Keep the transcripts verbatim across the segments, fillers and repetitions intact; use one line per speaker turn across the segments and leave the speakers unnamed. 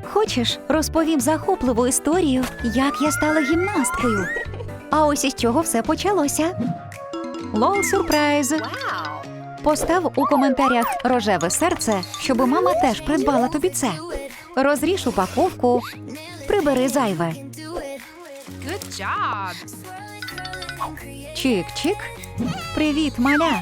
Хочеш, розповім захопливу історію, як я стала гімнасткою? А ось із чого все почалося. Лол сюрприз! Постав у коментарях рожеве серце, щоб мама теж придбала тобі це. Розріж упаковку, прибери зайве.
Good job.
Чик-чик. Привіт, маля.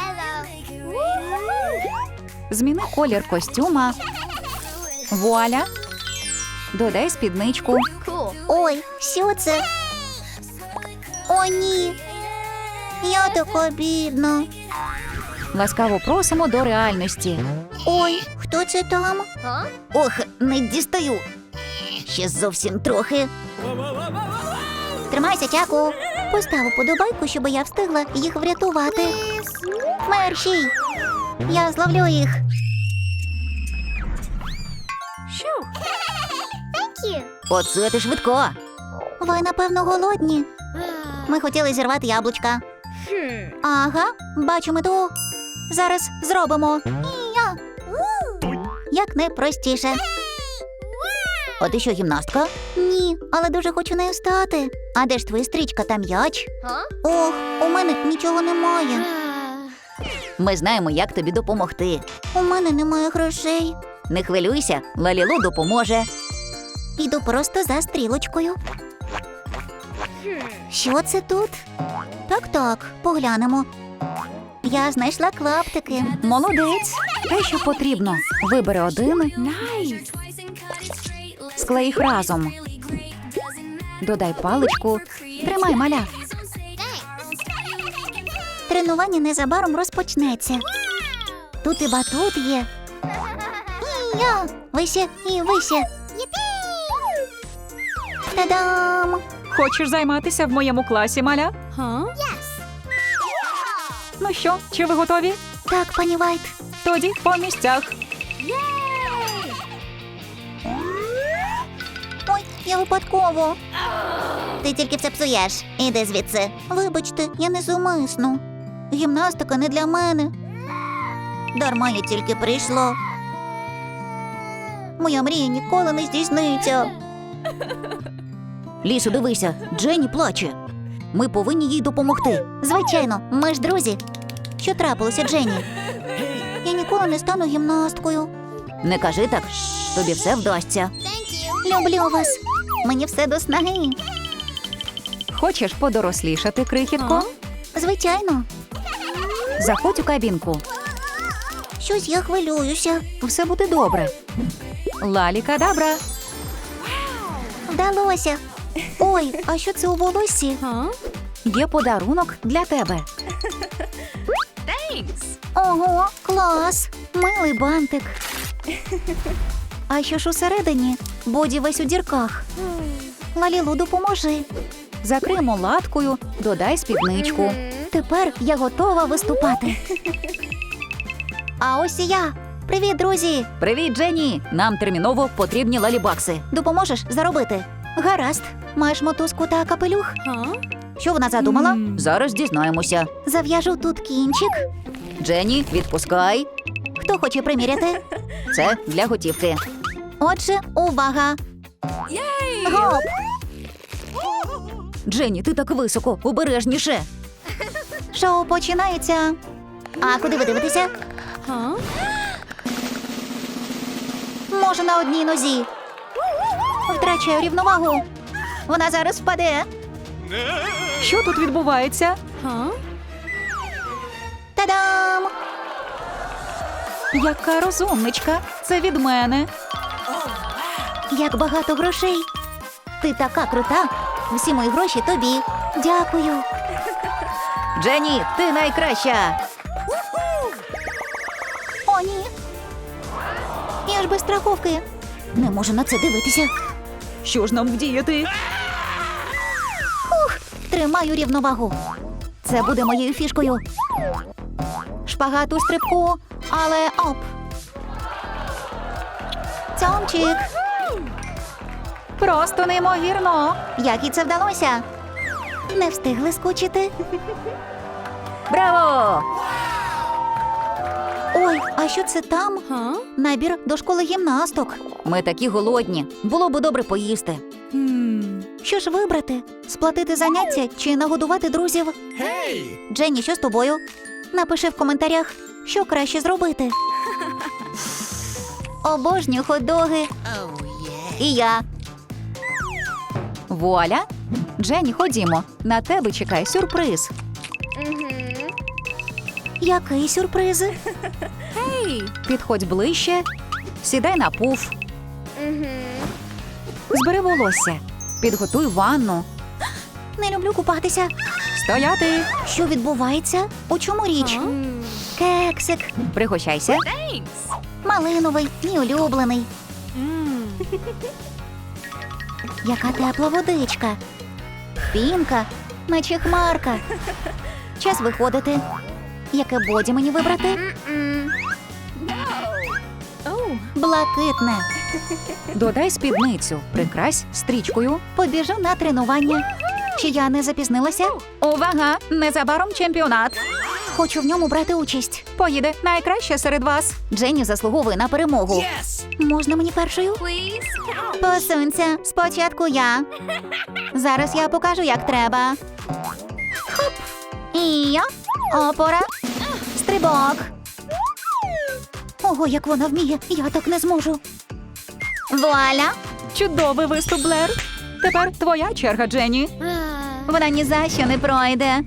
Зміни колір костюма. Вуаля. Додай спідничку.
Ой, що це? О, ні. Я така бідна.
Ласкаво просимо до реальності.
Ой, хто це там? Ох, не дістаю. Ще зовсім трохи. Тримайся, Чаку. Постав уподобайку, щоб я встигла їх врятувати. Мерші! Я зловлю їх.
Оце ти швидко.
Ви, напевно, голодні. Ми хотіли зірвати яблучка. Ага, бачу мету. Зараз зробимо. Я. Як найпростіше. А ти що, гімнастка? Ні, але дуже хочу нею стати. А де ж твоя стрічка та м'яч? Ох, у мене нічого немає.
Ми знаємо, як тобі допомогти.
У мене немає грошей.
Не хвилюйся, Лалілу допоможе.
Йду просто за стрілочкою. Що це тут? Так-так, поглянемо. Я знайшла клаптики.
Молодець. Те, що потрібно. Вибери один. Склей їх разом. Додай паличку. Тримай, маля.
Тренування незабаром розпочнеться. Тут і батут є. І я. Вище і вище. Та-дам!
Хочеш займатися в моєму класі, маля?
Huh?
Ну що, чи ви готові?
Так, пані Вайт.
Тоді по місцях.
Ой, я випадково. Ти тільки все псуєш. Іди звідси. Вибачте, я не зумисно. Гімнастика не для мене. Дарма я тільки прийшла. Моя мрія ніколи не здійсниться.
Лісу, дивися, Дженні плаче. Ми повинні їй допомогти.
Звичайно, ми ж друзі. Що трапилося, Дженні? Я ніколи не стану гімнасткою.
Не кажи так, тобі все вдасться.
Люблю вас. Мені все до снаги.
Хочеш подорослішати, крихітко?
Звичайно.
Заходь у кабінку.
Щось я хвилююся.
Все буде добре. Лалі-кадабра.
Вдалося. Ой, а що це у волоссі?
Huh?
Є подарунок для тебе.
Thanks.
Ого, клас. Милий бантик. А що ж усередині? Боді весь у дірках. Лалілу, допоможи.
Закриємо латкою, додай спідничку.
Тепер я готова виступати. А ось і я. Привіт, друзі.
Привіт, Дженні! Нам терміново потрібні лалібакси.
Допоможеш заробити? Гаразд. Маєш мотузку та капелюх?
Huh?
Що вона задумала?
М.
Зараз дізнаємося.
Зав'яжу тут кінчик.
Дженні, відпускай.
Хто хоче приміряти?
Це для готівки.
Отже, увага. Гоп!
Дженні, ти так високо, обережніше.
Шоу починається. А куди ви дивитеся?
Huh?
Може, на одній нозі. Втрачаю рівновагу. Вона зараз впаде.
Що тут відбувається?
Huh?
Та-дам!
Яка розумничка. Це від мене.
Як багато грошей. Ти така крута. Всі мої гроші тобі. Дякую.
Дженні, ти найкраща.
О, ні. Я ж без страховки. Не можу на це дивитися.
Що ж нам вдіяти?
Тримаю рівновагу. Це буде моєю фішкою. Шпагат у стрибку, але оп. Цьомчик.
Просто неймовірно.
Як і це вдалося? Не встигли скучити.
Браво!
Ой, а що це там?
Huh?
Набір до школи гімнасток. Ми такі голодні. Було б добре поїсти.
Hmm.
Що ж вибрати? Сплатити заняття чи нагодувати друзів?
Hey!
Дженні, що з тобою? Напиши в коментарях, що краще зробити. Обожнюю хот-доги. І я.
Вуаля! Дженні, ходімо. На тебе чекає сюрприз.
Який сюрприз?
Hey.
Підходь ближче, сідай на пуф. Збери волосся, підготуй ванну.
Не люблю купатися.
Стояти!
Що відбувається? У чому річ?
Hmm.
Кексик.
Пригощайся.
Thanks.
Малиновий, мій улюблений.
Mm.
Яка тепла водичка. Пінка, наче хмарка. Час виходити. Яке боді мені вибрати?
Oh.
Блакитне.
Додай спідницю, прикрась стрічкою.
Побіжу на тренування. Чи я не запізнилася?
Увага! Незабаром чемпіонат.
Хочу в ньому брати участь.
Поїде найкраще серед вас.
Дженні заслуговує на перемогу.
Yes!
Можна мені першою?
Please.
Посунься, спочатку я. Зараз я покажу, як треба. Хоп. І я. Опора. Стрибок. Ого, як вона вміє. Я так не зможу. Вуаля.
Чудовий виступ, Блер. Тепер твоя черга, Дженні.
Вона ні за що не пройде.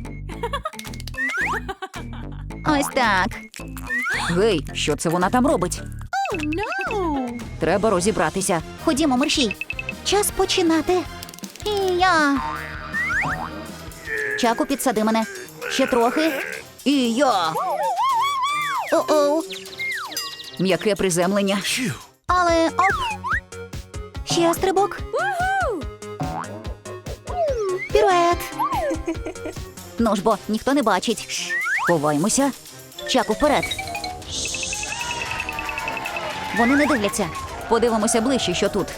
Ось так.
Гей, що це вона там робить?
No.
Треба розібратися.
Ходімо, мерщій. Час починати. І я. Чаку, підсади мене. Ще трохи.
І я.
О-оу.
М'яке приземлення.
Phew!
Але оп. Ще стрибок. Пірует. Ну ж бо, ніхто не бачить.
Ховаймося.
Чаку, вперед. Вони не дивляться.
Подивимося ближче, що тут.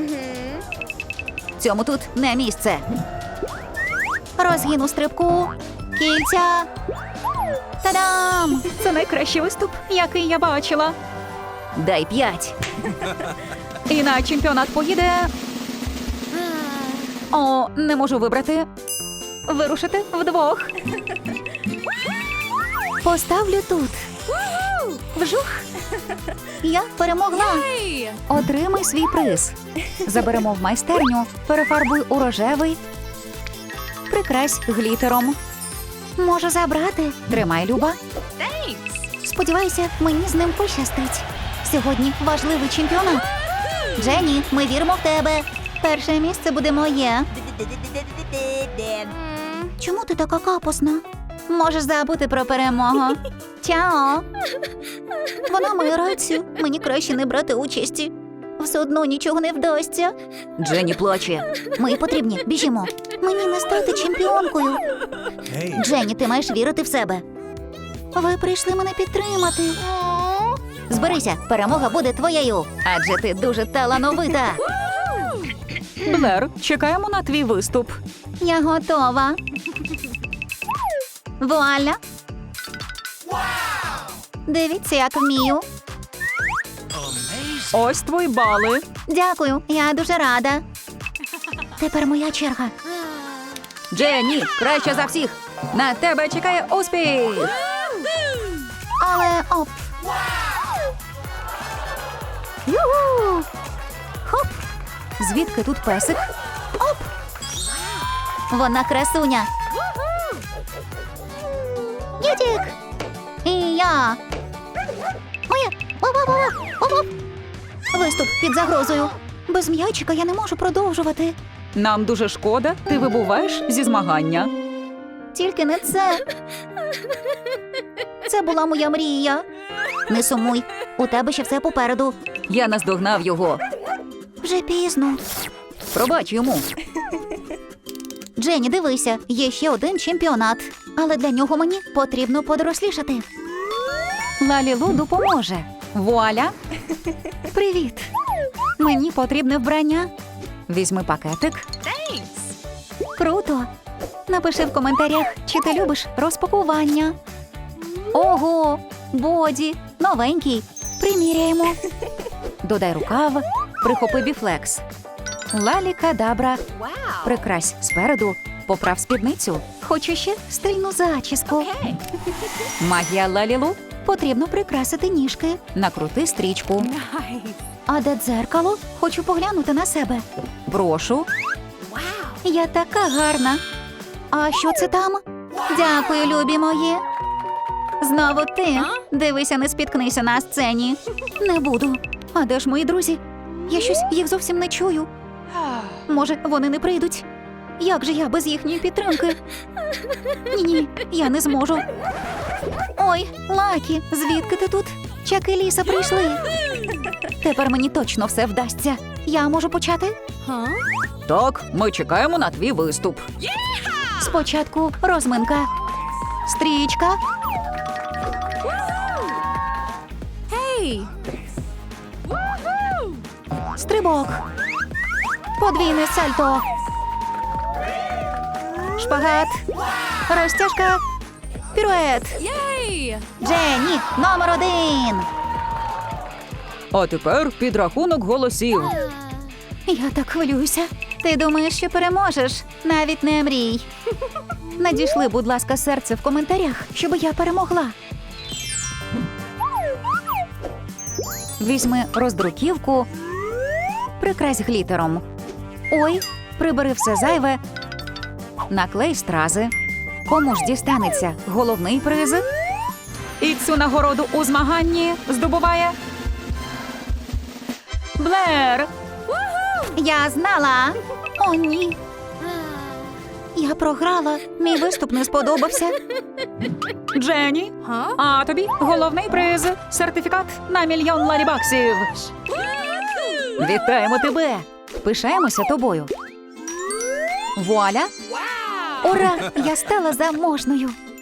Цьому тут не місце.
Розгін у стрибку. Кільця. Та-дам!
Це найкращий виступ, який я бачила. Дай п'ять. І на чемпіонат поїде. О, не можу вибрати. Вирушити вдвох.
Поставлю тут. Вжух. Я перемогла.
Hey.
Отримай свій приз. Заберемо в майстерню, перефарбуй у рожевий. Прикрась глітером.
Можу забрати.
Тримай, Люба.
Thanks.
Сподіваюся, мені з ним пощастить. Сьогодні важливий чемпіонат. Дженні, ми віримо в тебе. Перше місце буде моє.
Mm.
Чому ти така капосна? Можеш забути про перемогу. Чао. Вона має рацію. Мені краще не брати участі. Все одно нічого не вдасться.
Дженні плаче.
Ми потрібні, біжімо. Мені не стати чемпіонкою.
Hey!
Дженні, ти маєш вірити в себе. Ви прийшли мене підтримати. Зберися, перемога буде твоєю. Адже ти дуже талановита.
Блер, чекаємо на твій виступ.
Я готова. Вуаля. Дивіться, як вмію.
Amazing!
Ось твої бали.
Дякую, я дуже рада. Тепер моя черга.
Дженні, краще за всіх. На тебе чекає успіх.
Але оп. Югу! Хоп!
Звідки тут песик?
Оп! Вона красуня. Ютік! І я. Моя! Оп-оп-оп! Оп-оп! Виступ під загрозою. Без м'ячика я не можу продовжувати.
Нам дуже шкода, ти вибуваєш зі змагання.
Тільки не це. Це була моя мрія. Не сумуй, у тебе ще все попереду.
Я наздогнав його.
Вже пізно.
Пробач йому.
Дженні, дивися, є ще один чемпіонат. Але для нього мені потрібно подорослішати.
Лалілу допоможе. Вуаля.
Привіт.
Мені потрібне вбрання. Візьми пакетик.
Thanks.
Круто. Напиши в коментарях, чи ти любиш розпакування. Ого, боді,
Новенький. Приміряємо. Додай рукав, прихопи біфлекс. Лалі-кадабра.
Wow.
Прикрась спереду, поправ спідницю. Хочу ще стильну зачіску.
Okay.
Магія Лалілу. Потрібно прикрасити ніжки. Накрути стрічку.
Nice.
А де дзеркало? Хочу поглянути на себе. Прошу.
Wow.
Я така гарна. А що це там? Дякую, любі мої. Знову ти. Дивися, не спіткнися на сцені. Не буду. А де ж мої друзі? Я щось їх зовсім не чую. Може, вони не прийдуть? Як же я без їхньої підтримки? Ні-ні, я не зможу. Ой, Лакі, звідки ти тут? Чак і Ліса прийшли. Тепер мені точно все вдасться. Я можу почати?
Huh?
Так, ми чекаємо на твій виступ. Спочатку розминка. Стрічка.
Hey. Woohoo.
Стрибок. Подвійне сальто. Шпагат. Розтяжка. Пірует.
Yay.
Дженні, номер один.
А тепер підрахунок голосів. Я так хвилююся. Ти думаєш, що переможеш? Навіть не мрій. Надійшли, будь ласка, серце в коментарях, щоб я перемогла. Візьми роздруківку, прикрась глітером. Ой, прибери все зайве. Наклей стрази. Кому ж дістанеться головний приз? І цю нагороду у змаганні здобуває Блер.
Я знала.
О, ні. Я програла. Мій виступ не сподобався. Дженні,
Huh?
а тобі головний приз – сертифікат на мільйон лалібаксів. Вітаємо тебе! Пишаємося тобою. Вуаля!
Wow.
Ура! Я стала заможною.